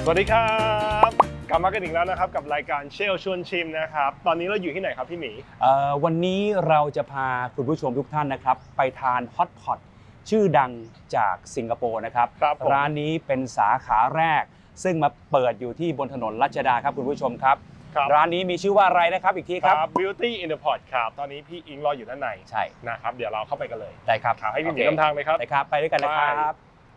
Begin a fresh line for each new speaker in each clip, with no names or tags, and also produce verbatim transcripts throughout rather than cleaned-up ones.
สวัสดีครับกลับมากันอีกแล้วนะครับกับรายการเชลชวนชิมนะครับตอนนี้เราอยู่ที่ไหนครับพี่หมี
วันนี้เราจะพาคุณผู้ชมทุกท่านนะครับไปทานฮอตพอตชื่อดังจากสิงคโปร์นะครับร้านนี้เป็นสาขาแรกซึ่งมาเปิดอยู่ที่บนถนนรัชดาครับคุณผู้ชมครับร้านนี้มีชื่อว่าอะไรนะครับอีกทีครับ
Beauty in the Pot ครับตอนนี้พี่อิงรออยู่ด้านใน
ใช่
นะครับเดี๋ยวเราเข้าไปกันเลย
ได้ครับ
ให้พี่หมีนำทางเลยครับ
ได้ครับไปด้วยกันเลยครับ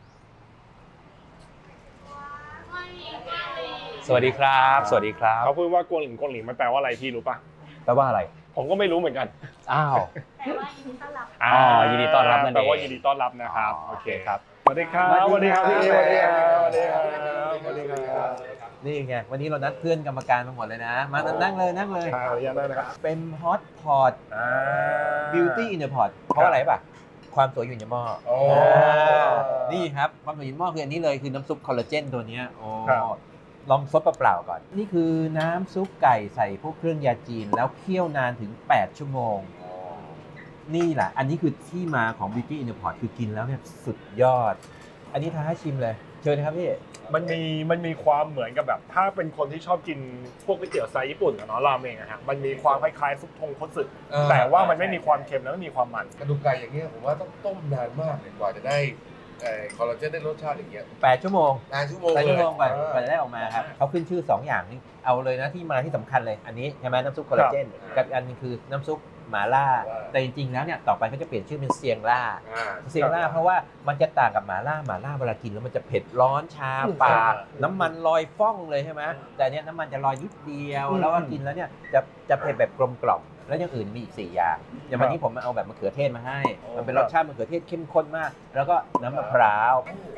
สวัสดีครับสวัสดีครับ
เขาพูดว่ากวงหลิงกวงหลิงมันแปลว่าอะไรพี่รู้ป่ะ
แปลว่าอะไร
ผมก็ไม่รู้เหมือนกัน
อ้าว
แปลว่ายินดีต้อนรับ
อ๋อยินดีต้อนรับนั่นเอง
แปลว่ายินดีต้อนรับนะครับโอเค
ครับ
สวัสดีครับสวัสดีครับพี่สวัสดีครับสวัสดีครับสวัสดีครับ
นี่ไงวันนี้เรานัดเพื่อนกรรมการมาหมดเลยนะมานั่งเลยนั่งเลย
ขออนุญาตได้นะครับ
เป็นฮอตพอต Beauty in the Pot เพราะอะไรป่ะความสวยอยู่ในหม้อนี่ครับความสวยอยู่ในหม้อคืออันนี้เลยคือน้ำซุปคอลลาเจนตัวนี้โอ้ลองซดเปล่าๆก่อนนี่คือน้ำซุปไก่ใส่พวกเครื่องยาจีนแล้วเคี่ยวนานถึงแปดชั่วโมงนี่แหละอันนี้คือที่มาของ Beauty in the Pot คือกินแล้วเนี่ยสุดยอดอันนี้ท้าให้ชิมเลยเชิญนะครับพี่
มันมีมันมีความเหมือนกับแบบถ้าเป็นคนที่ชอบกินพวกก๋วยเตี๋ยวสไตล์ญี่ปุ่นกับเนาะราเมงอะฮะมันมีความคล้ายๆซุปทงคัตสึแต่ว่ามันไม่มีความเค็มแล้วไม่มีความมัน
กระดูกไก่อย่างเงี้ยผมว่าต้องต้มนานมากเลยกว่าจะได้คอลลาเจนได้รสชาติอย่างเงี้ย
แปดชั่วโมง
นานชั่วโมง
แปดชั่วโมงกว่ากว่าจะได้ออกมาครับเขาขึ้นชื่อสองอย่างนี้เอาเลยนะที่มาที่สำคัญเลยอันนี้ใช่ไหมน้ำซุปคอลลาเจนกับอันนึงคือน้ำซุปหม่าล่าแต่จริงๆแล้วเนี่ยต่อไปเขาจะเปลี่ยนชื่อเป็นเซียงล่าเซียงล่าเพราะว่ามันจะต่างกับหม่าล่าหม่าล่าเวลากินแล้วมันจะเผ็ดร้อนชาปากน้ำมันลอยฟ่องเลยใช่ไหมแต่เนี้ยน้ำมันจะลอยนิดเดียวแล้วก็กินแล้วเนี่ยจะจะเผ็ดแบบกลมกล่อมแล้วอย่างอื่นมีอีกสี่อย่างอย่างวันนี้ผมมาเอาแบบมะเขือเทศมาให้มันเป็นรสชาติมะเขือเทศเข้มข้นมากแล้วก็น้ำมะพร้าว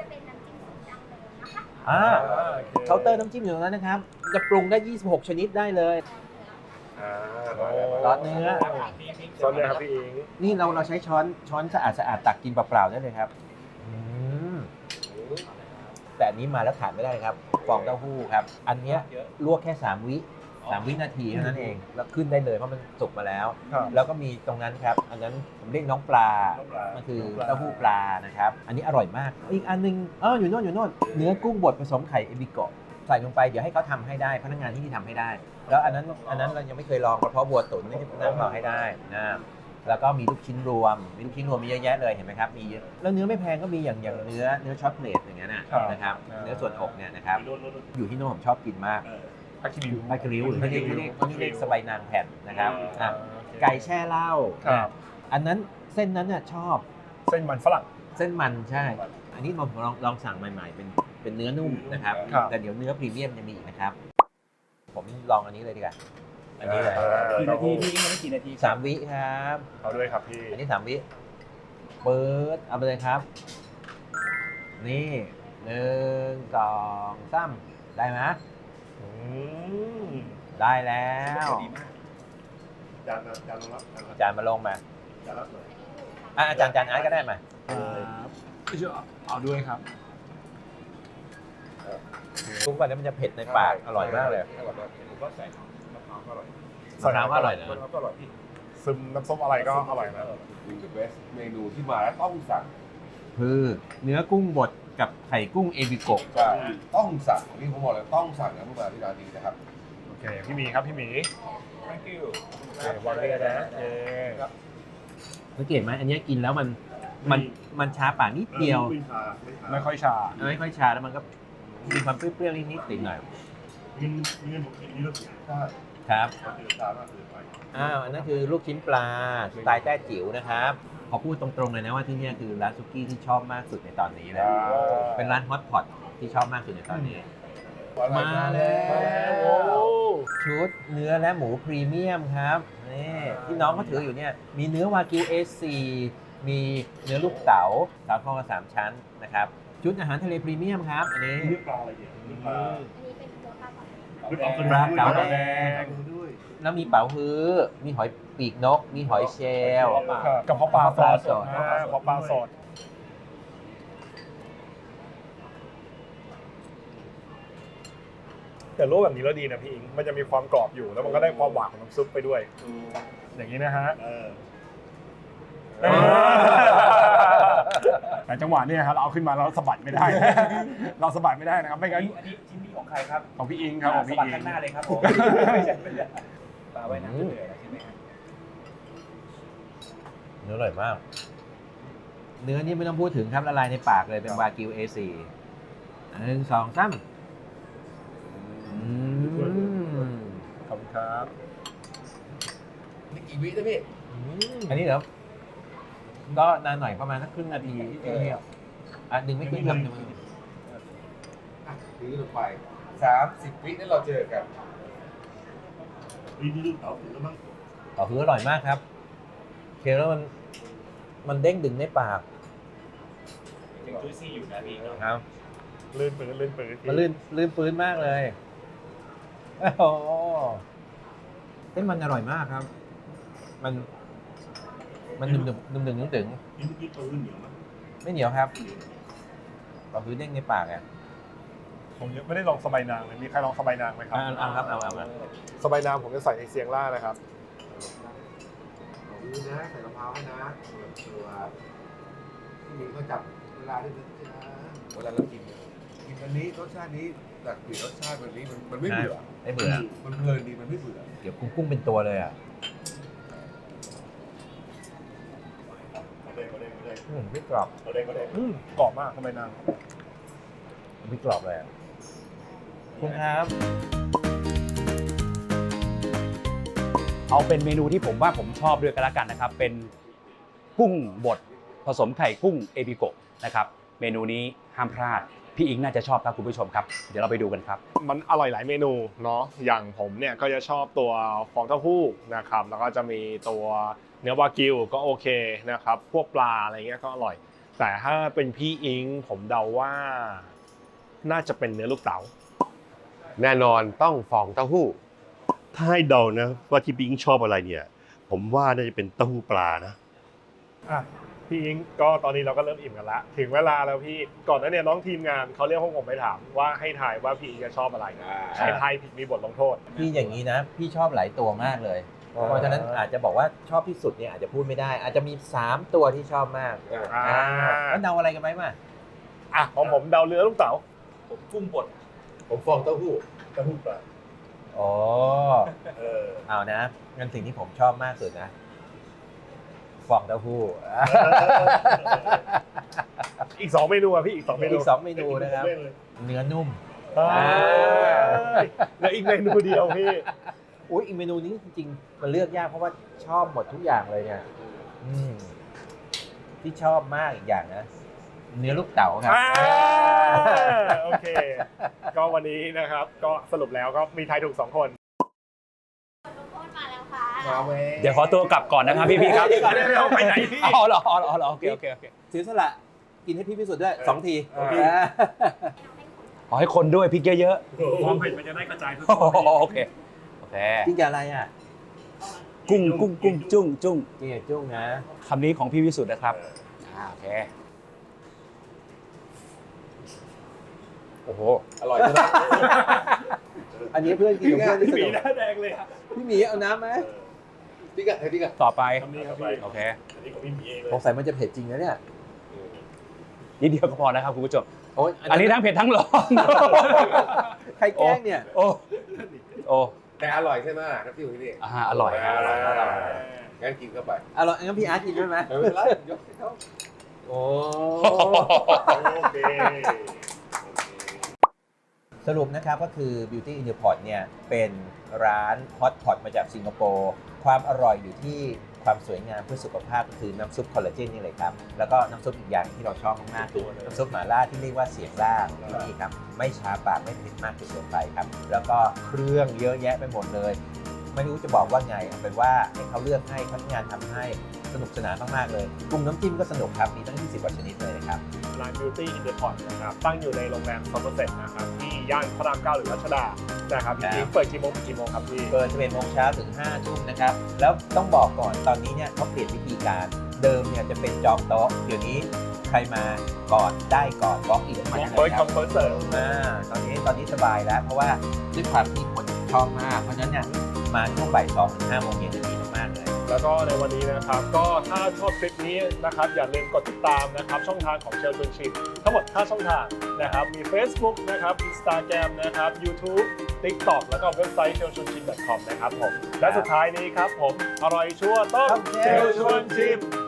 อ่าเคาน์เตอร์น้ำจิ้มอยู่ตรงนั้นนะครับจะปรุงได้ยี่สิบหกชนิดได้เลยซอสเนื้อ
ซอสเนื้อครับพี่อิง
นี่เราเราใช้ช้อนช้อนสะอาดสะอาดตักกินเปล่าๆได้เลยครับแต่อันนี้มาแล้วขาดไม่ได้ครับฟองเต้าหู้ครับอันเนี้ยลวกแค่สามวิสามวินาทีเท่านั้นเองแล้วขึ้นได้เลยเพราะมันสุกมาแล้วแล้วก็มีตรงนั้นครับอันนั้นผมเรียกน้องปลามันคือเต้าหู้ปลานะครับอันนี้อร่อยมากอีกอันนึงเอออยู่โน่นอยู่โน่นเนื้อกุ้งบดผสมไข่เอบิโกะใส่ลงไปเดี๋ยวให้เขาทำให้ได้พนักงานที่นี่ทำให้ได้แล้วอันนั้นอันนั้นเรายังไม่เคยลองกระเพาะบัวตุ๋นนี่นั่งรอให้ได้นะแล้วก็มีลูกชิ้นรวมมีลูกชิ้นรวมมีเยอะแยะเลยเห็นไหมครับมีแล้วเนื้อไม่แพงก็มีอย่างอย่างเนื้อเนื้อช็อตเลตอย่างเงี้ยนะครับเนื้อส่วนอกเนี่ยนะครับอยู่ที่โน่นผมชอบกินมาก
ผักคิริว
ผักคิริวหรือที่เรียกที่เรียกสบายนางแผ่นนะครับไก่แช่เหล้าอันนั้นเส้นนั้นน่ะชอบ
เส้นมันฝรั่ง
เส้นมันใช่อันนี้ผมลองลองสั่งใหม่ๆเป็นเป็นเนื้อนุ่มนะครับแต่เดี๋ยวเนื้อพรีเมียมจะมีอีกนะครับผมลองอันนี้เลยดีกว่าอันนี้เลย
กี่นาทีพี่ยังไม่กี่นาที
สามวิครับ
เอาด้วยครับพี่
อันนี้สามวิเปิดเอาไปเลยครับนี่หนึ่งสองสามได้ไหมได้แล้ว
จานจานลงรับ
จานมาลงมา
จานรับเลย
อาจารย์จานอาร์ตก็ได้มา
เอาด้วยครับ
ทุกวันนี้มันจะเผ็ดในปากอร่อยมากเลย
อร่อยมากผมก็ใส่มะพร้าวก็อร่อย
มะพร้าวก็อร่อยนะ
มะพร้าวก็อร่อยพี่
ซึมน้ำส้มอะไรก็อร่อยนะ
เป็นเบสเมนูที่มาแล้วต้องสั่ง
คือเนื้อกุ้งบดกับไข่กุ้งเอบิโกะ
ต้องสั่งนี่ผมบอกเลยต้องสั่งนะเมื่อมาที่ร้านนี้นะครับ
โอเคพี่หมีครับพี่หมี
thank you
วางเลยนะเออ
สังเกตไหมอันนี้กินแล้วมันมันมันชาปากนิดเดียว
ไม่ค่อยชา
ไม่ค่อยชาแล้วมันก็มีความเปรี้ยวๆนิดๆติดหน่อยครับอ้าวอันนั้นคือลูกชิ้นปลาสไตล์แต้จิ๋วนะครับขอพูดตรงๆเลยนะว่าที่นี่คือร้านซุกี้ที่ชอบมากสุดในตอนนี้เลยเป็นร้านฮอตพอตที่ชอบมากสุดในตอนนี้มาแล้วชุดเนื้อและหมูพรีเมียมครับนี่ที่น้องเขาถืออยู่เนี่ยมีเนื้อวากิว เอ โฟร์ มีเนื้อลูกเต๋าสามข้อสามชั้นนะครับชุดอาหารทะเลพรีเมียมครับอันนี้
เนื้อปลาอะไรเนี่ยเนื้อปลา
ปลาเก๋าแดงแล้วมีเป๋าฮื้อมีหอยปีกนกมีหอยเชลล์
กับข้าวปลาสดข้าวปลาสดแต่ลวกแบบนี้แล้วดีนะพี่อิงมันจะมีความกรอบอยู่แล้วมันก็ได้ความหวานของน้ำซุปไปด้วยอย่างนี้นะฮะแต่จังหวะเนี้ครับเราเอาขึ้นมาแล้วสะบัดไม่ได้ เราสะบัดไม่ได้นะครับไม่งั้น
อันนี้ชิ้นนี้ของใครครับ
ของพี่อิงครับของ
ส
พี่
บัด
อิง
ข้างหน้าเลยครับผมไม่ใช่ไม่ใช่ปลาไว้น้ำจะเหนื่อยแล้วใช่ไหมครับ
เนื้ออร่อยมาก เนื้อนี่ไม่ต้องพูดถึงครับละลายในปากเลยเป็นวากิว เอ โฟร์ อันหนึ่งสองสามอืม
ขอบคุณครับ
นี่กี่วินะพี่
อันนี้เหรอก็นานหน่อยประมาณสักครึ่งนาทีที่เที่ยวอ่ะดึงไม่ขึ้นครับดึงไม่ขึ้น
อ่ะถือลงไปสามสิบวินั่นเราเจอกัน
ต่อคืออร่อยมากครับเคี้ยวแล้วมันมันเด้งดึงในปาก
ยังจุ้ยซี่อยู่นะพี่
ครับ
ลื่นปืนลื่นปืน
มันลื่นลื่นปื้นมากเลยโอ้โหเส้นมันอร่อยมากครับ มัน มันหนึบหนึบหนึบหนึบหนึบถึงไม่เหนียวครับต่อคือเด้งในปากอ่ะ
ผมยังไม่ได้ลองสบายนางเลยมีใครลองสบายนางไหมครั
อ่าเอาครับเอาเอาเอา
สบายนางผมจะใส่ในเซียงล่านะครับ
เอาดูนะใส่กะเพราให้นะตัวที่มีก็จับเวลาด้วยนะเวลาเรากินเนี่ยกินอันนี้รสชาตินี้แต่กลิ่นรสชาติแบบนี้มันมันไม่เบื่อ
ไม่เบื่อ
มันเพลินดีมันไม่เบื่อ
เดี๋ยวกุ้งกุ้งเป็นตัวเลยอ่ะอืมไม่กรอบ
อืมกรอบมากสบายนาง
ไม่กรอบเลยอะคุณครับ
เอาเป็นเมนูที่ผมว่าผมชอบด้วยกันละกันนะครับ เป็นกุ้งบดผสมไข่กุ้งเอบิโกะนะครับ เมนูนี้ห้ามพลาด พี่อิงน่าจะชอบครับคุณผู้ชมครับ เดี๋ยวเราไปดูกันครับ
มันอร่อยหลายเมนูเนาะอย่างผมเนี่ยก็จะชอบตัวฟองเต้าหู้นะครับแล้วก็จะมีตัวเนื้อวากิวก็โอเคนะครับพวกปลาอะไรเงี้ยก็อร่อย แต่ถ้าเป็นพี่อิงผมเดาว่าน่าจะเป็นเนื้อลูกเต๋า
แน่นอนต้องฟองเต้าหู้ ถ้าให้เดานะว่าที่บิงชอบอะไรเนี่ย ผมว่าน่าจะเป็นเต้าหู้ปลานะ
อ่ะพี่อิงก็ตอนนี้เราก็เริ่มอิ่มกันละถึงเวลาแล้วพี่ก่อนหน้านี้น้องทีมงานเขาเรียกพวกผมไปถามว่าให้ทายว่าพี่อิงจะชอบอะไรใครทายผิดมีบทลงโทษ
พี่อย่างนี้นะ พี่ชอบหลายตัวมากเลย เพราะฉะนั้นอาจจะบอกว่าชอบที่สุดเนี่ยอาจจะพูดไม่ได้ อาจจะมีสามตัวที่ชอบมาก
อ่า
อ่าแล้วเดาอะไรกันไหมมา
อ่ะของผมเดาเนื้อลูกเต๋า
ผมกุ้งบด
ผมฟองเต้าหู้เต้าหู้ปลา
อ๋อ
เออ
เอานะงั้นสิ่งที่ผมชอบมากสุดนะฟองเต้าหู้
อีกสองเมนูอ่ะพี่อีกสองเมนู
อีกสองเมนูนะครับ เนื้อนุ่ม
อ่าแล้วอีกเมนูเดียวพี่
อุ้ยอีกเมนูนี้จริงๆมันเลือกยากเพราะว่าชอบหมดทุกอย่างเลยเนี่ยอืมที่ชอบมากอีกอย่างนะ เนื้อลูกเต๋าครับ
อ่าโอเค ก็วันนี้นะครับ ก็สรุปแล้วก็มีทายถูกสองคน
ทุกคนมาแล้วค่ะ
มาเว้ย
เดี๋ยวขอตัวกลับก่อนนะครับพี่ๆครับ
เดี๋ยวเดี๋ยวไปไหนพี่
อ๋อเหรออ๋อเหรออ๋อเหรอโอเคโอเคโอเค
เสียสละกินให้พี่พิสุทธิ์ด้วยสองที
โอเค
อ่า
ขอให้คนด้วยพริกเยอะ
ความเผ็ดมันจะได้กระจายทั่ว
ๆโอเคโอเค
กินกับอะไรอ่ะ
กุ้งกุ้งกุ้งจุ้งจุ้ง
กินกับจุ้งนะ
คำนี้ของพี่วิสุทธ์นะครับอ่าโอเค
โอ้โห
อร่อยใช่ไหม
อันนี้เพื่อนกินกับเพื่อนที่ส
มี
นุก
หน้าแดงเลยครับ
พี่หมีเอาน้ำไหม
พี่กะให้พี่กะ
ต่อไป
คำนี้ครับพี่
โอเค
อันนี้ของพี่หมีเองเลย
สงสัยมันจะเผ็ดจริงนะเนี่ย
นิดเดียวก็พอนะครับคุณผู้ชม
โอ้ย
อันนี้ทั้งเผ็ดทั้งร้อน
ใครแกล้งเนี่ย
โอ้โอ้
แต่อร่อยใช่ไหมครับพี่อยู่ที่นี่
อ่าอร่อยครับอร่อยอร่อย
งั้นกินเข้าไป
อร่อยงั้นพี่อาร์ตกินด้วยไหม
ไม่เป็นไรยกให้เขา
โอ้
โอเค
สรุปนะครับก็คือ Beauty in the Pot เนี่ยเป็นร้านฮอตพอตมาจากสิงคโปร์ความอร่อยอยู่ที่ความสวยงามเพื่อสุขภาพก็คือน้ำซุปคอลลาเจนนี่เลยครับแล้วก็น้ำซุปอีกอย่างที่เราชอบมากๆคือน้ำซุปหม่าล่าที่เรียกว่าเสียงล่าที่นี่ครับไม่ช้าปากไม่เผ็ดมากจนเกินไปครับแล้วก็เครื่องเยอะแยะไปหมดเลย ไม่รู้จะบอกว่าไงเอาเป็นว่าให้เขาเลือกให้พนักงานทำให้สนุกสนานมากๆเลยปรุงน้ำจิ้มก็สนุกครับมีตั้งยี่สิบกว่าชนิดเลยนะครับ
ร้าน Beauty in the Pot นะครับตั้งอยู่ในโรงแรมซัมเมอร์เซ็ตนะครับที่ย่านพระรามเก้าหรือรัชดานะครับจริงๆเปิดกี่โมงถึงกี่โมงครับพี่
เปิดสิบเอ็ดโมงเช้าถึงห้าทุ่มนะครับ แล้วต้องบอกก่อนตอนนี้เนี่ยเขาเปลี่ยนวิธีการ เดิมเนี่ยจะเป็นจองโต๊ะ เดี๋ยวนี้ใครมาก่อนได้ก่อนบล็อกอินมาได้
เปิด
ค
ค
รั
อบ นเฟิร์สเสิร์ฟ
อ่าตอนนี้ตอนนี้สบายแล้ว เพราะว่าด้วยความที่คนชอบมาก เพราะฉะนั้นเนี่ยมาช่วงบ่ายสองถึงห้าโมงเย็นจะดีมากๆเลย
แล้วก็ในวันนี้นะครับก็ถ้าชอบคลิปนี้นะครับอย่าลืมกดติดตามนะครับช่องทางของเชลชวนชิมทั้งหมดห้าช่องทางนะครับมี Facebook นะครับ Instagram นะครับ YouTube TikTok แล้วก็เว็บไซต์ เชลชวนชิม ดอท คอม นะครับผมและสุดท้ายนี้ครับผมอร่อยชั่วต้องเชลชวนชิม